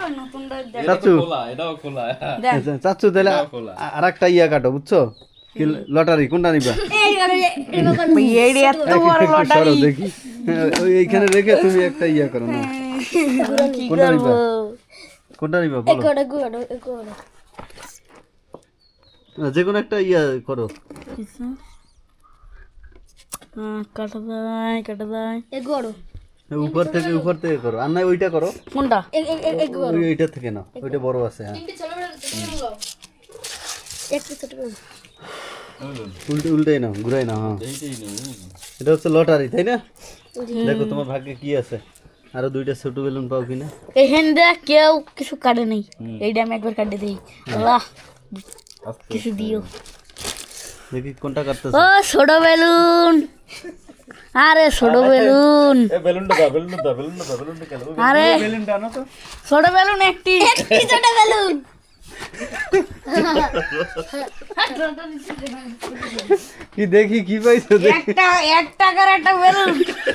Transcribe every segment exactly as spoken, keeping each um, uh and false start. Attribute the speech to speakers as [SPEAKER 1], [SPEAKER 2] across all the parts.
[SPEAKER 1] চাচু চাচু তাহলে আর একটা ইয়া কাটো বুঝছো কি লটারি কোনটা নিবা দেখি এইখানে রেখে তুমি একটা ইয়া করো না কোনটা নিবা কোনটা নিবা বলো যে কোনো একটা ইয়া করো
[SPEAKER 2] কাটা দাই কাটা দাই এগোড়ো
[SPEAKER 1] উপর থেকে উপর থেকে করো আর না ওইটা করো
[SPEAKER 2] কোনটা
[SPEAKER 1] ওইটা থেকে না ওইটা বড় আছে হ্যাঁ
[SPEAKER 2] একটা ছোট
[SPEAKER 1] উল্টে উল্টাই না ঘুরাই না হ্যাঁ এটা হচ্ছে লটারি তাই না দেখো তোমার ভাগ্যে কি আছে আরো দুইটা ছোট বেলুন পাও কিনা
[SPEAKER 2] এখান দিয়ে কেউ কিছু কাটে নেই এইটা আমি একবার কাটে দিই আল্লাহ কিছু দিও
[SPEAKER 1] দেখি কোনটা কাটতেছ
[SPEAKER 2] ও ছোট বেলুন আরে ছোট বেলুন
[SPEAKER 1] এ বেলুনটা দাও বেলুনটা দাও বেলুনটা দাও বেলুনটা কেন
[SPEAKER 2] আরে
[SPEAKER 1] বেলুনটা আনো তো
[SPEAKER 2] ছোট বেলুন একটি একটি ছোট বেলুন
[SPEAKER 1] কি দেখি কি পাইছো
[SPEAKER 2] একটা এক টাকার একটা বেলুন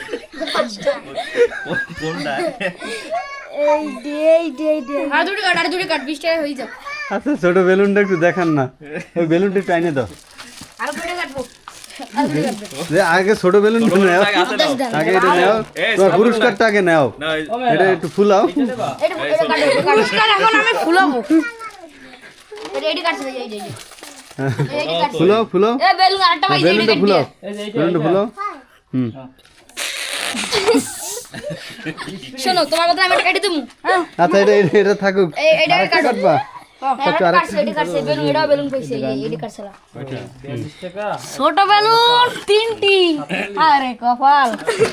[SPEAKER 1] কোনটা
[SPEAKER 2] এই দে এই দে এই দে আর দুটো কাট আর দুটো কাট বিশ টাকা হয়ে যাবে
[SPEAKER 1] আচ্ছা ছোট বেলুনটা একটু দেখান না ওই বেলুনটা একটু আইনে দাও
[SPEAKER 2] আর দুটো কাটবো
[SPEAKER 1] যে আগে ছোট বেলুন নাও আগে এটা নাও তোমার পুরস্কারটা আগে নাও এটা একটু ফুলাও
[SPEAKER 2] এটা এটা কাটো পুরস্কার এখন আমি ফুলাবো রেডি কাটছে এই এই রেডি কাটছে
[SPEAKER 1] ফুলাও ফুলাও
[SPEAKER 2] এ বেলুন আরেকটা ভাই
[SPEAKER 1] বেলুনটা ফুলাও বেলুনটা ফুলাও হুম
[SPEAKER 2] শোনো তোমার কথা আমি এটা কেটে দেবো
[SPEAKER 1] আচ্ছা এটা এটা থাকুক
[SPEAKER 2] এই এটা
[SPEAKER 1] আরেকটা কাটবা
[SPEAKER 2] এটা কাটছে এটা কাটছে বেলুন এটা বেলুন কইছে এই এটা কাটছে ছোট বেলুন তিনটি আরে কপাল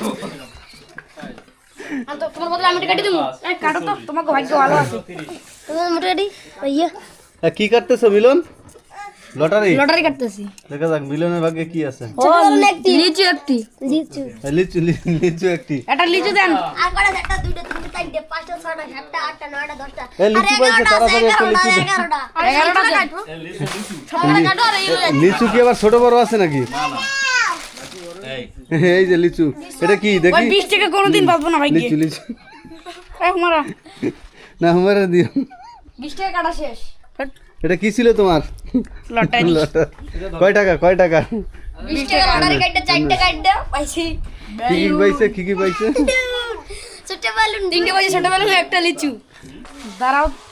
[SPEAKER 2] আর তো তোমার বদলে আমি এটা কেটে দেবো এই কাটো তো তোমার ভাগ্য ভালো আছে তোমার মোটামুটি ইয়া
[SPEAKER 1] কি কাটতেছো মিলন লটারি
[SPEAKER 2] লটারি কাটতেছি
[SPEAKER 1] দেখা যাক মিলনের ভাগ্যে কি আছে
[SPEAKER 2] ও লিচু একটি লিচু
[SPEAKER 1] লিচু লিচু একটি
[SPEAKER 2] এটা লিচু দেন
[SPEAKER 3] আর কটা একটা দুইটা তিনটা চারটা পাঁচটা ছয়টা সাতটা আটটা নয়টা দশটা
[SPEAKER 1] এই লিচু পাইছে তাড়াতাড়ি একটা লিচু দে
[SPEAKER 3] এগারোটা
[SPEAKER 2] এগারোটা কাটবো ছয়টা কাটো আর এই
[SPEAKER 1] লিচু কি আবার ছোট বড় আছে নাকি না না এই যে লিচু এটা কি দেখি
[SPEAKER 2] বিশ টাকা কোনোদিন পাবো না ভাই
[SPEAKER 1] লিচু লিচু
[SPEAKER 2] এক মারা
[SPEAKER 1] না আমারে দিও
[SPEAKER 2] বিশ টাকা কাটা শেষ
[SPEAKER 1] এটা কি ছিল তোমার
[SPEAKER 2] লটারি
[SPEAKER 1] কয় টাকা কয় টাকা
[SPEAKER 2] বিশ টাকা লটারি কাটতে চারটা কাটতে পাইছি
[SPEAKER 1] কি কি পাইছে কি কি পাইছে
[SPEAKER 3] ছোট বেলুন
[SPEAKER 2] তিনটে পাইছে ছোট বেলুন একটা লিচু দাঁড়াও